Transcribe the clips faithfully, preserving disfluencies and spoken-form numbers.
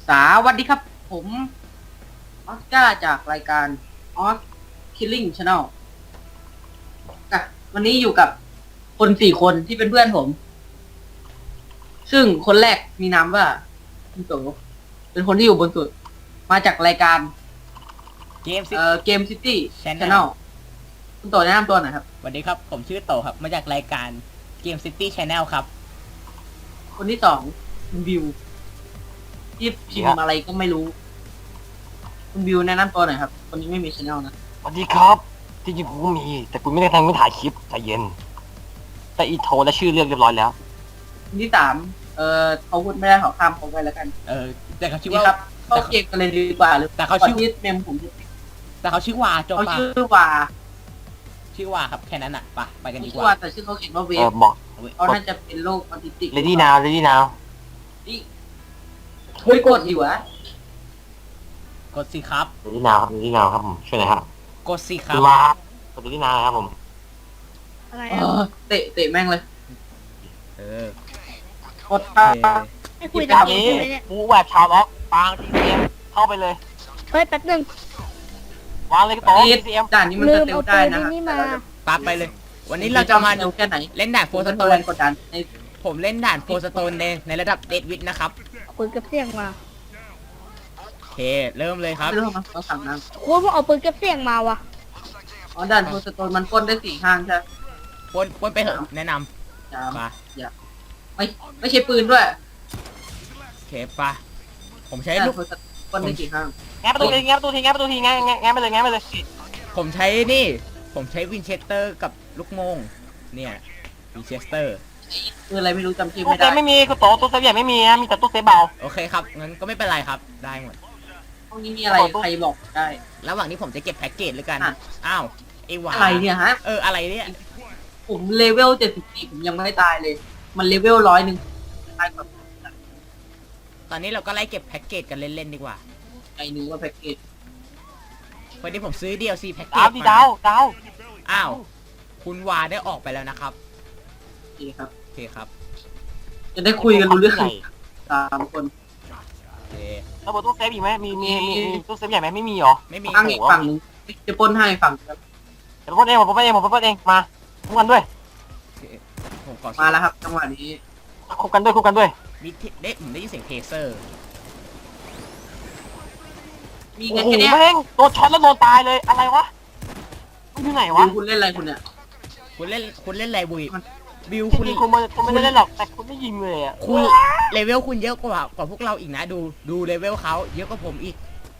สวัสดีครับผมออสการ์จากรายการ Os Killing Channel อ่ะวันนี้อยู่กับคนสี่คนที่เป็นเพื่อนผม ซึ่งคนแรกมีนามว่าคุณโตเป็นคนที่อยู่บนสุด มาจากรายการเกมซิเอ่อ Game City Channel Channel คุณโตแนะนำตัวหน่อยครับสวัสดีครับผมชื่อโตครับมาจากรายการ Game City Channel ครับคนที่สองคุณบิวที่พิมพ์อะไรก็ไม่รู้ คุณบิวแนะนำตัวหน่อยครับ คนนี้ไม่มี channel นะสวัสดีครับที่จริงกูก็มี แต่กูไม่ได้ทำไม่ถ่ายคลิปใจเย็น แต่อีโทรและชื่อเรียกเรียบร้อยแล้วคนที่สามเอ่อเขาพูดไม่ได้ขอข้ามเขาไปแล้วกันเออแต่เขาชื่อนี่ว่าครับเข้าเกมกันเลยดีกว่าหรือแต่เขาชื่อก่นที่เมมผมจะแต่เขาชื่อวาจบเขาปะชื่อว่าชื่อวาครับแค่นั้นอ่ะไปไปกันดีกชื่อว่าว่าแต่ชื่อเขาเขียนว่าเวเอฟอบอกเขาน่าจะเป็นโรคออทิสติก ready now ready now นี่เฮ้ยกดดิวะกดสิครับ ready now ครับ ready now ครับผมช่วยหน่อยครับกดสิครัคุบณมาครับกด ready now ครับผมอะไรเออ่ะอเตะเตะแม่งเลยเออกดโอเข้าเคให้คุยตตาอมนเกมนี้ใช่ไหมเนี่ยกูแหวกชาวล็อกปาง ที ซี เอ็ม เข้าไปเลยเฮ้ยแป๊บนึงวางเลยก็โต๊ะนี่ที ซี เอ็มด่านนี้มันลืสมเตลเอาได้ปืนนะคที่รับนี่มาปาไปเลย วันนี้เราจะมาเตลแค่ไหนเล่นด่านโฟสโตแรนงกดดันในผมเล่นด่านโฟสโตนในในระดับเดดวิดนะครับเอาปืนเก็บเสียงมาโอเคเริ่มเลยครับไม่รู้มั้งเขาสั่งน้คุณว่าเอาปืนเก็บเสียงมาวะำอ๋อด่านโพสโตนมันปล้นได้สี่ข้างใช่ไหมปนปนไปเถอะแนะนจามำมาไม่ไม่ใช่ปืนด้วยโอเคปะผมใช้ด่านลูกโพสโตนปล้นได้กี่ข้างแง้ประตูทีแง้ประตูทีแง้ประตูทีแง้แง้แง้ไปเลยแง้ไปเลยผมใช้นี่ ผมใช้วินเชสเตอร์กับลูกโมงเนี่ยวินเชสเตอร์คืออะไรไม่รู้จำชื่อตู้ไม่เซได้ฟไม่มีกูโต๊ะตู้เซฟใหญ่ไม่มีนะมีแต่ตู้เซฟเบาโอเคครับงั้นก็ไม่เป็นไรครับได้หมดห้องนี้มีอะไรใครบอกได้ระหว่างนี้ผมจะเก็บแพ็กเกจเลยกันอ่ะอ้าวไอ้หวาอะไรเนี่ยฮะเอออะไรเนี่ยผมเลเวลเจ็ดสิบสี่ผมยังไม่ได้ตายเลย มันเลเวลร้อยหนึ่งตายแบบตอนนี้เราก็ไล่เก็บแพ็กเกจกันเล่นๆดีกว่าไอ้นึงว่าแพ็กเกจวันนี้ผมซื้อ ดี แอล ซี แพ็กเกดาวจดีมาดาวดาวอ้าวคุณวาได้ออกไปแล้วนะครับโอเคครับโอเคครับจะได้คุยกันรู้เรื่องสามคนโอเคระเบิดตู้เซฟอีกไหมมีมีมีมีตู้เซฟใหญ่ไหมไม่มีหรอไม่มีฝั่งอีกฝั่งหนึงจะปล้นให้ฝั่งครับเดี๋ยวผมปล้นเองผมปล้นเองผมปล้นเองมาคุกกันด้วยผมขอมาแล้วครับจังหวะนี้คุกกันด้วยคุกกันด้วยมีที่ได้ผมได้ยินเสียงเทเซอร์มีโอ้เงินโหแค่เนี้ยแม่งโดนช็อตแล้วโดนตายเลยอะไรวะมันอยู่ไหนวะดูคุณเล่นอะไรคุณเนี่ยคุณเล่นคุณเล่นอะไรบุยมันบิวจคุณริงๆคุณไม่คุณไม่ได้เล่นหรอกแต่คุณไม่ยิงเลยอ่ะคุณเลเวลคุณเยอะกว่ากว่าพวกเราอีกนะ ดูดูเลเวลเขาเยอะกว่าผมอีก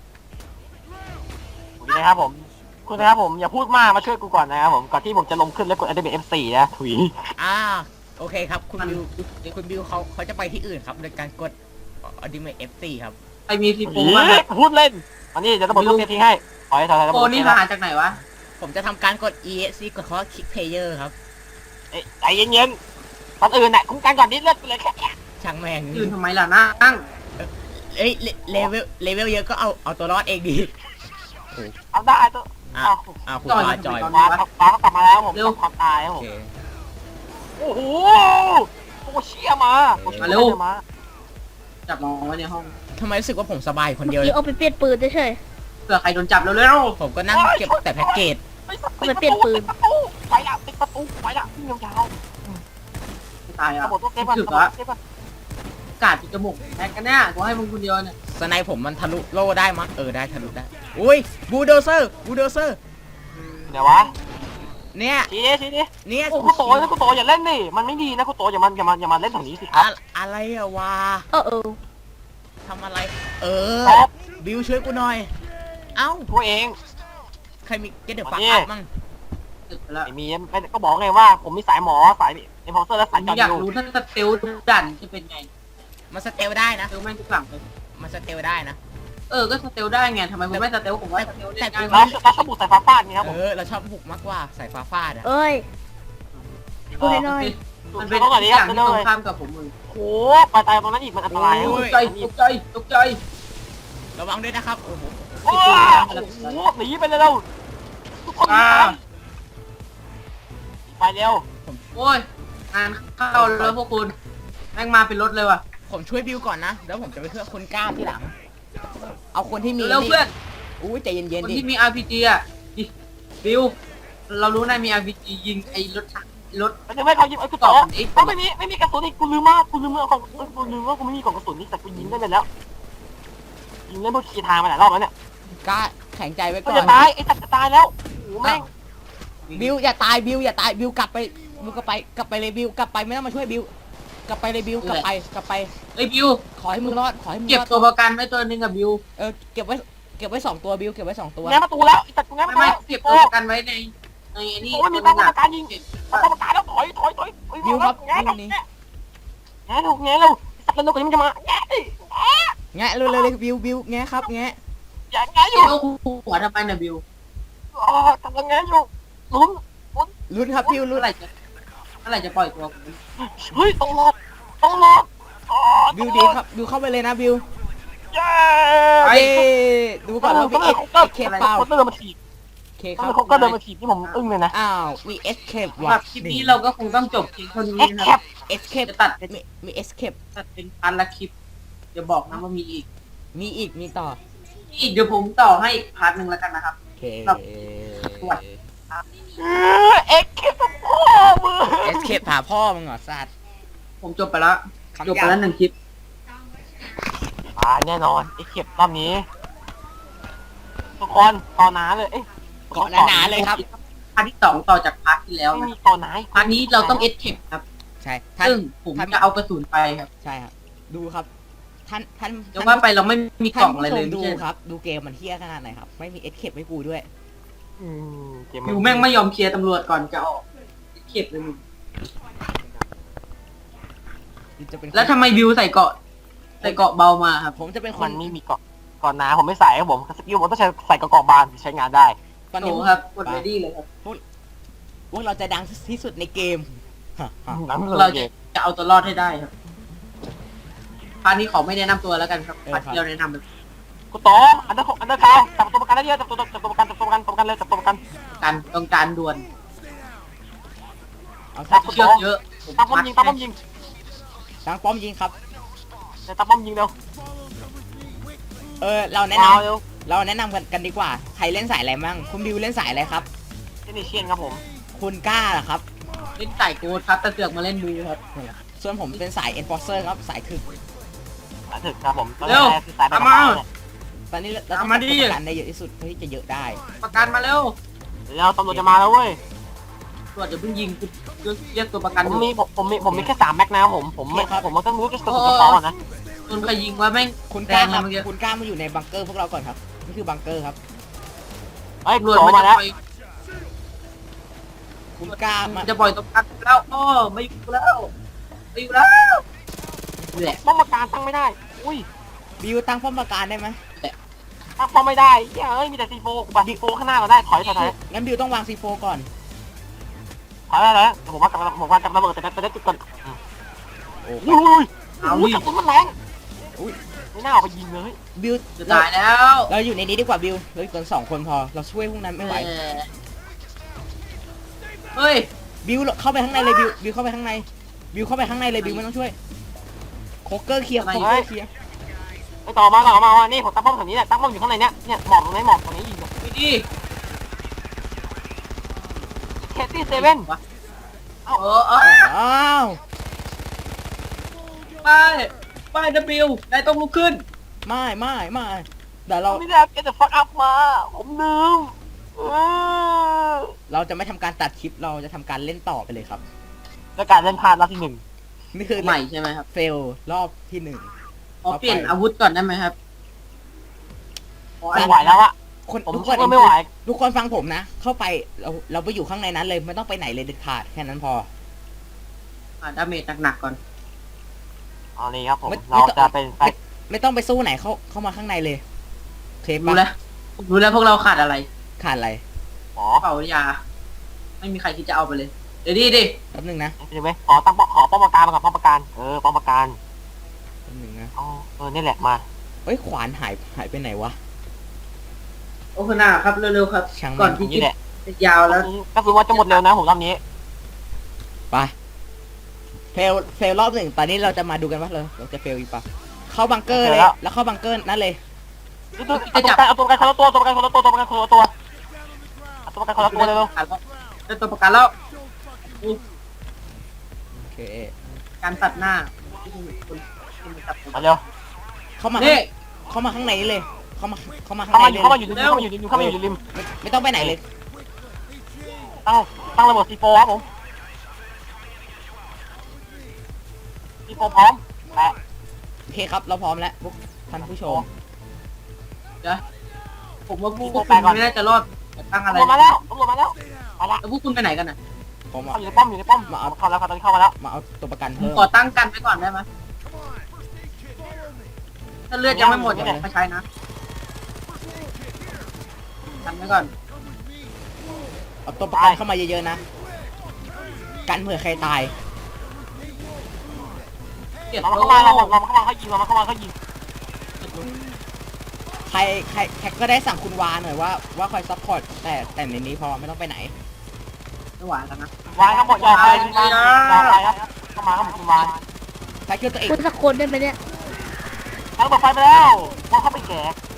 นะครับผมคุณนะครับผมอย่าพูดมากมาช่วยกูก่อนนะครับผมก่อนที่ผมจะลงขึ้นแล้วกด Activate เอฟ โฟร์ นะถุยอ่าโอเคครับคุณมันบิวคุณบิวเขาเขาจะไปที่อื่นครับโดยการกดอดิเมทเอฟซีครับใครมีซีถุโฟยบ้างครับพูดเล่นอันนี้จะระเบิดลูกเซฟทิ้งให้ถอยถอยถอยระโฟเบิดนี่เซฟหาจากไหนวะผมจะทำการกด อี เอส ซี กดคำว่า Kick Player ครับเอ้ยใจเย็นๆตอนอื่นน่ะคุ้มกันก่อนนิดเลือดไปเลยแค่ช่างแม่งยืนทำไมล่ะนั่งเอ้ยเลเลเวลเลเวลเยอะก็เอาเอาตัวรอดเองดีเอาได้ตัวอ่ะเอาอ้าวคุณวาจอยฟ้าฟ้าก็กลับมาแล้วผมต้องความตายครับโอผมเคโอ้โหโอ้เชี่ยมาโอ้เชี่ยมาจับน้องไว้ในห้องทำไมรู้สึกว่าผมสบายคนเมื่อเดียวเลกี้ยเอาไปเปลี่ยนปืนเฉยเผื่อใครโดนจับเร็วผมก็นั่งเก็บแต่แพ็กเกจไปละติดประตูไปละวิ่งยาวๆไม่ตายๆอ่ะระบบตัวเซฟก่อนถึระกบบละเซฟก่อนกาดปิดจมูกแฮกกันเนี่ยกูให้มึงคนเดียวเนี่ยสไนผมมันทะลุโล่ได้มั้งเออได้ทะลุได้อุ้ยบูลโดเซอร์บูลโดเซอร์เดี๋ยววะเนี่ยชี้ดิชี้ดิเนี่ยโอ้คุณโตนะคุณโตอย่าเล่นดิมันไม่ดีนะคุณโตอย่ามาอย่ามาอย่ามาเล่นแถวนี้สิครัอะบอะไรอะวะๆเออเออทำอะไร เออครับบิวช่วยกูหน่อย เอ้าตัวเองใครมีเกตเดอร์ฟักมาดิอัพมั่งตึกไปแล้วไม่มีไม่ก็บอกไงว่าผมมีสายหมอสายเอ็มพอร์เซอร์และผสายมจออยากยูรู้ถ้าสเตลดันจะเป็นไงมันสเตลได้นะสเตลแม่งทุกหลังเลยมันสเตลได้นะเออก็สเตลได้ไงทำไมคุณไม่สเตลผมว่าสเตลเล่นง่ายเราเราชอบบุกสายฟ้าฟาดนี่ครับเอผมอ เราชอบบุกมากกว่าสายฟ้าฟาดอะเอ้ย พูดให้หน่อยมันเป็เป็น นต้องก่อนทุนี้กคอรัย่าบงเป็นที่เลตรงยข้ามกับผมมึงโอ้ไปตายตรงนั้นอีกมันอันตรายตกใจตกใจตกใจระวังด้วยนะครับ โอ้โหโอ้โหหนีไปเลยเราทุกคนอ่าไปเร็วโอ้ยงานเข้าแล้วพวกคุณแม่งมาเป็นรถเลยว่ะคผมช่วยบิวก่อนนะแล้วผมจะไปช่วยคนกล้าที่หลัง เอาคนที่มีแล้วเพื่อนอู้ใจเย็นคนๆดิที่มี อาร์ พี จี อ่ะดิบิวเรารู้นายมี อาร์ พี จี ยิงไอ้รถถังรถมันจะไม่เขายิงไอ้กูต่อต่อมันอีกเอ้าไม่มีไม่มีกระสุนอีกกูลืมมากกูลืมเมื่อของกูลืมว่ากูไม่มีกล่องกระสุนนี่แต่กูยิงได้ไปแล้วยิงเล่นพวกคีทางมาหลายรอบแล้วเนี่ยกล้าแข็งใจไว้ก็ก่อจะนตายไอ้สัตว์จะตายแล้วโอ้โหแม่งบิวอย่าตายบิวอย่าตายบิวกลับไปบิวกลับไปกลับไปเลยบิวกลับไปไม่ต้องมาช่วยบิวกลับไปเลยบิวกลับไปกลับไปไอ้ยบิวขอให้มึงรอดขอให้มึงเก็บรอดตัวประกันไว้ตัวหนึงกับบิวเออเก็บไว้เก็บไว้สองตัวบิวเก็บไว้สองตัวแง้มประตูแล้วไอ้สัตว์กูแง้มไม่ประตูไม่แล้วเก็บโอ้ตัวประกันไว้ในในไอ้นี่โอ้ยมีป้อมปราการยิงป้อมปราการแล้วถอยถอยถอยบิวครับแง้บิมวนี้แง้มแง้มเร็วไอ้สัตว์เร็วกว่านี้มันจะมาแง้มดิแงะเร็วๆเลยบิวบิวแงะครับแงะอย่าแง้มอบิยู่วหัวทำไมนะบิวอ๋อกำลังแง้มอยู่ลุ้นลุ้นครับบิวลุ้เมื่อน ไหร่จะเมื่อไหร่จะปล่อยตัวผมเฮ้ยต้องรอดต้องรอดอ๋อบิวดีครับบิวเข้าไปเลยนะบิวเย้เย้ดูก่อนว่าก็พี่เลเอ็ยกเขาก็เคเปล่าเขาเดินมาถีบเคคก็รับเลยเขาก็เดินมาถีบที่ผมอึ้งเลยนะอ้าวมีเอสเคปสำว่ะหรับคลิปนี้เราก็คงต้องจบเพียงเท่านี้เอ็กนะแคครับปเอสเคปจะตัดเป็นมีมีเอสเคปตัดเป็นพันละคลิปอย่าบอกนะว่ามีอีกมีอีกมีต่อมีอีกเดี๋ยวผมต่อให้อีกพาร์ทหนึ่งแล้วกันนะครับโอเคครับเอ็กแคปพ่อมือเอสเคปหาพ่อมึงเหรอสัตว์ผมจบไปแล้วคำจบไปแล้วหนึ่งคลิปอ่าแน่นอนเอ็กแคปรอบนี้ทุกคนต่อหนาเลยเอ้ยเกาะหนาๆเลยครับพาร์ทที่สองต่อจากพาร์ทที่แล้วไม่นะมีต่อหนาพาร์ทนี้เราต้องเอสเคปครับใช่ท่านซึ่งผมท่านจะเอากระสุนไปครับใช่ครับดูครับท่านท่านแต่ว่าไปเราไม่มีกล่ท่าอน งอะไรผู้ชเลยมไม่ดูใช่ครับ ดูเกมมันเที่ยขนาดไหนครับไม่มีเอสเคปให้กูด้วยอืมเกมบิวแม่งไม่ยอมเคลียร์ตำรวจก่อนจะออกเอสเคปเลยมึงจะเป็นคนแล้วทำไมบิวใส่เกาะใส่เกาะเบามาครับผมจะเป็นคมัน นไม่มีเกาะก่อนหนาผมไม่ใส่ครับผมสกิลผมต้องใช้ใส่กระกอบบานใช้งานได้ตอนโอ้นี้ครับกดเรดี้เลยครับพวกเราจะดังที่สุดในเกมฮะฮะหนังเราเลจะยจะเอาตัวรอดให้ได้ครับพาร์ทนี้ขอไม่แนะนำตัวแล้วกันครับพาร์ทที่เราแนะนำเลยกูต่ออันเดอร์อันเดอร์คาวจับตัวประกันได้เยอะจับตัวจับตัวประกันจับตัวประกันจับตัวประกันเลยจับตัวประกันการต้องการด่วนเอาครัสับกเชือกเยอะผมตั้งป้อมยิงตั้งป้อมยิงดังป้อมยิงครับเดี๋ยวตั้งป้อมยิงเร็วเออเราแนะมานำเร็วเราแนะนำกันกันดีกว่าใครเล่นสายอะไรมั่งคุณบิวเล่นสายอะไรครับเจนิเชียนครับผมคุณกล้าเหรอครับเล่นไก่โกดครับแต่เสือกมาเล่นบูครับส่วนผมเป็นสาย enforcer ครับสายถึกสายถึกครับผมตอนเร็วแรกคือสายแบบเอามาตอนนี้เราต้องเอามาดิทำประกันได้เยอะที่สุดเพื่อที่จะเยอะได้ประกันมาเร็วแล้วตำรวจจะมาแล้วเว้ยตำรวจจะเพิ่งยิงคุณเรียกตัวประกันผอมยู่มีผมผมมีผมมีแค่สามแม็กนะครับผมผมไม่ผมต้องรู้แค่ตัวสุดท้ายนะคนใครยิงว่าแม่งคุณแรกล้าง คนะรับเมื่อกี้คุณกล้ามาอยู่ในบังเกอร์พวกเราก่อนครับนี่คือบังเกอร์ครับเฮ้ยตำรวจโผล่มันมาจะแล้วปล่อยคุณกล้ามัมานจะปล่อยตัวประกันแล้วอ้อไม่อยู่แล้วไม่อยู่แล้วแหละป้อมปราการตั้งไม่ได้อุ้ยบิวตั้งป้อมปราการได้ไหมตั้งป้อมไม่ได้เฮ้ยมีแต่ซีโฟกูบัตซีโฟข้างหน้าเราได้ถอยถอยถอยงั้นบิวต้องวางซีโฟก่อนถอยได้แล้วผมว่ากำลังผมว่าจะระเบิดแต่แต่ได้จุดก่อนโอ้อุ้ยเอาอุ้ยดิกระสุนมันแรงอุ้ยไม่น่าเอาไปยิงเลยบิวจะเราตายแล้วเราอยู่ในนี้ดีกว่าบิวเราอยู่กันสองคนพอเราช่วยพวกนั้นไม่ไหวเออเฮ้ยบิวเข้าไปข้างในเลยบิวบิวเข้าไปข้างในบิวเข้าไปข้างในเลยบิวไม่ต้องช่วยโคเกอร์เคลียร์โคเกอร์เคลียร์ไปต่อมาต่อมาว่านี่ผมตั้งป้อมแถวนี้แหละตั้งป้อมอยู่ข้างในเนี้ยเนี่ยหมอบตรงไหนหมอบตรงนี้ยิงไปดิเคสตี้เซเว่นเออเอออ้าวไปไปนะบิวนายต้องลุกขึ้นไม่ไม่ไม่เดี๋ยวเราไม่ได้เกตฟักอัพมา ผมลืมเออเราจะไม่ทำการตัดคลิปเราจะทำการเล่นต่อไปเลยครับแล้วการเล่นพลาดรอบที่หนึ่งนี่คือใหม่ใช่ไหมครับเฟลรอบที่หนึ่งขอเปลี่ยนอาวุธก่อนได้ไหมครับขออัไม่นไหวแล้วอะคนผมทุกคช่นวยไม่ไหวทุกคนฟังผมนะ เข้าไปเราเราไปอยู่ข้างในนั้นเลยไม่ต้องไปไหนเลยเด็ดขาดแค่นั้นพออ่าดาเมจหนักๆก่อนเอาเลยครับผมไม่เราจะเป็นไปไม่ไม่ต้องไปสู้ไหนเข้าเข้ามาข้างในเลยเทปรู้แล้วรู้แล้วพวกเราขาดอะไรขาดอะไรหมอกระเป๋ายา ไม่มีใครคิดจะเอาไปเลย เดี๋ยวดิดิแป๊บหนึงนะใช่ไหมขอตั้งป้อมขอป้อมปราการมาก่อนป้อมปราการเออป้อมปราการแป๊บหนึงนะอ๋อเออนี่แหละมาเอ้ยขวานหายหายไปไหนวะโอเคนาครับเร็วๆครับช่างมันก่อนที่นี่แหละจะยาวแล้วก็คือว่าจะหมดเร็วนะผมรอบนี้ไปเฟลเฟลรอบหนึ่งตอนนี้เราจะมาดูกันว่าเราเราจะเฟลอีกปะเข้าบังเกอร์เลยแล้วเข้าบังเกอร์นั่นเลยเอาตัวประกันเอาตัวประกันคนละตัวตัวประกันคนละตัวตัวประกันคนละตัวเอาตัวประกันคนละตัวเร็วได้ตัวประกันแล้วอู้โอเคการตัดหน้าที่คุณคุณคุณจับผมๆมาเร็วเข้ามานี่เข้ามาข้างในเลยเข้ามาเข้ามาข้างเข้าในมาอเลยู่ยเข้ามาอยู่ริมเข้ามาอยู่ริมเข้ามาอยู่ริมไม่ไม่ต้องไปไหนเลยตั้งตั้งระเบิดซีโฟครับผมซีโฟพร้อมแปะโอเคครับเราพร้อมแล้วพวกท่านผู้ชมเดี๋ยวผมว่าพวกคุณไม่น่าจะรอดตั้งอะไรตำรวจมาแล้วตำรวจมาแล้วมาละแล้วพวกคุณไปไหนกันน่ะผมเข้าอะอยู่ในป้อมอยู่ในป้อมมาเอาเข้าแล้วครับตอนนี้เข้ามาแล้วมาเอาตัวประกันผมเพิ่มขอตั้งกันไว้ก่อนได้ไหมถ้าเลือดยังไม่หมดอย่ามาใช้นะกันไว้ก่อนเอาตัวประกันเข้ามาเยอะๆนะกันเผื่อใครตายเกลียดเราโลเข้ามาเราเราเข้ามาเขายิงเราเข้ามาเขายิงใครใครใครก็ได้สั่งคุณวาหน่อยว่าว่าคอยซัพพอร์ตแต่แต่ในนี้พอไม่ต้องไปไหนไม่ไหวแล้วนะวางทั้งหมดยาวไปยาวไปครับเข้ามาครับผมคุณวางถ้าคิดว่าตัวเองพูดสักคนได้ไหมเนี่ยตั้งระเบิดไฟไปแล้วว่าเข้าไปแก่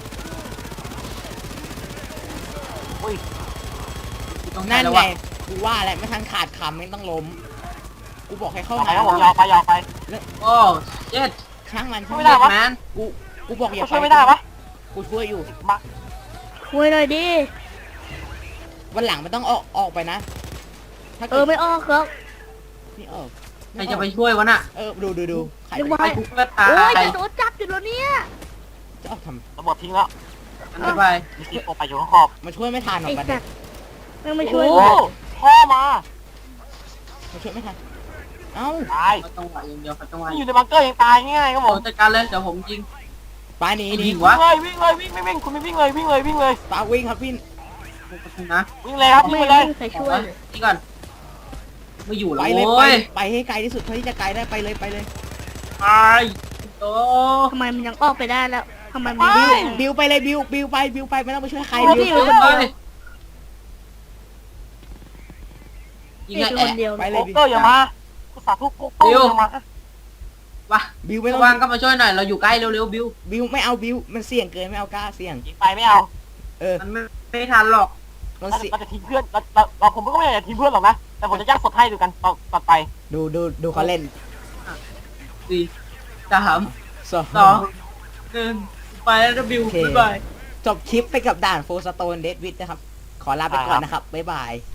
อุ้ยต้องนั่นแล้วไงวะกูว่าอะไรไม่ทันขาดคำไม่ต้องล้มกูบอกให้เข้ายาวไปมาครับผมยาวไปยาวไปโอ้เจ็ดช่างมันไม่ได้วะแมนกูกูบอกอย่าช่วยไม่ได้ปะกูช่วยอยู่มาคุยหน่อยดิวันหลังไม่ต้องออกออกไปนะถ้าเอเกิอดไม่ออกครับไม่ออกใครจะไปช่วยวะน่ะเออดูดูดูใครนึกจะว่าไปทุกเลือดตาโอ้ยยจะโดนจับอยู่แล้วเนี่ยจะออกทระเบิดทิ้งแล้วอันนี้ไปมีซีโฟไปอยู่ข้างขอบำมาช่วยไม่ทันหรอไอ้กประสัเด็ตนว์แม่งไม่โอ้ช่วยโหพ่อมามาช่วยไม่ทันเอ้าตายเขาจังหวะอย่างเดียวเขาจังหวะนี่อยู่ในบังเกอร์ยังตายง่ายครับผผม มจัดการเลยเดี๋ยวผมยิงปาหนีหนียิงวิ่วะงเลยวิ่งเลยวิ่งไม่วิ่งคุณไม่วิ่งเลยวิ่งเลยวิ่งเลยปาวิ่งครับพี่นะวิ่งเลยครับวิ่ไม่งไปเลยไม่มีใครช่วยเลยนี่ก่อนไม่อยู่ไปแล้วเลยไปโว้ยไปให้ไกลที่สุดเท่าที่จะไกลได้ไปเลยไปเลยตายโตทำไมมันยังออกไปได้แล้วทำไมมันไปดิ้นบิวไปเลยบิวบิวไปบิวไปไม่ต้องไปช่วยใครเอาบิดิวคนเดียวยิงนี่ไงคือแอะคนเดียวไปเลยเลยโป๊กเกอร์อย่ามากูสาธุโป๊กเกอร์อย่ามาวะบิวไม่ต้องว่างก็มาช่วยหน่อยเราอยู่ใกล้เร็วๆบิวบิวไม่เอาบิวมันเสี่ยงเกินไม่เอากล้าเสี่ยงยิงไปไม่เอาเออมันไม่ไม่ทันหรอกมันเราเสี่ยงจะทิ้งเพื่อนเราเราเราผมก็ไม่อยากจะทิ้งเพื่อนหรอกนะ แต่ผมจะย่างสดให้ดูกันต่อต่อไปดูดูดูเขาเล่นสี่สามสองสองหนึ่งไปแล้วนะบิวโอเคบ๊ายบายจบคลิปไปกับด่านโฟสโตนเดดวิดนะครับ ขอลาไปก่อนนะครับ บ๊ายบาย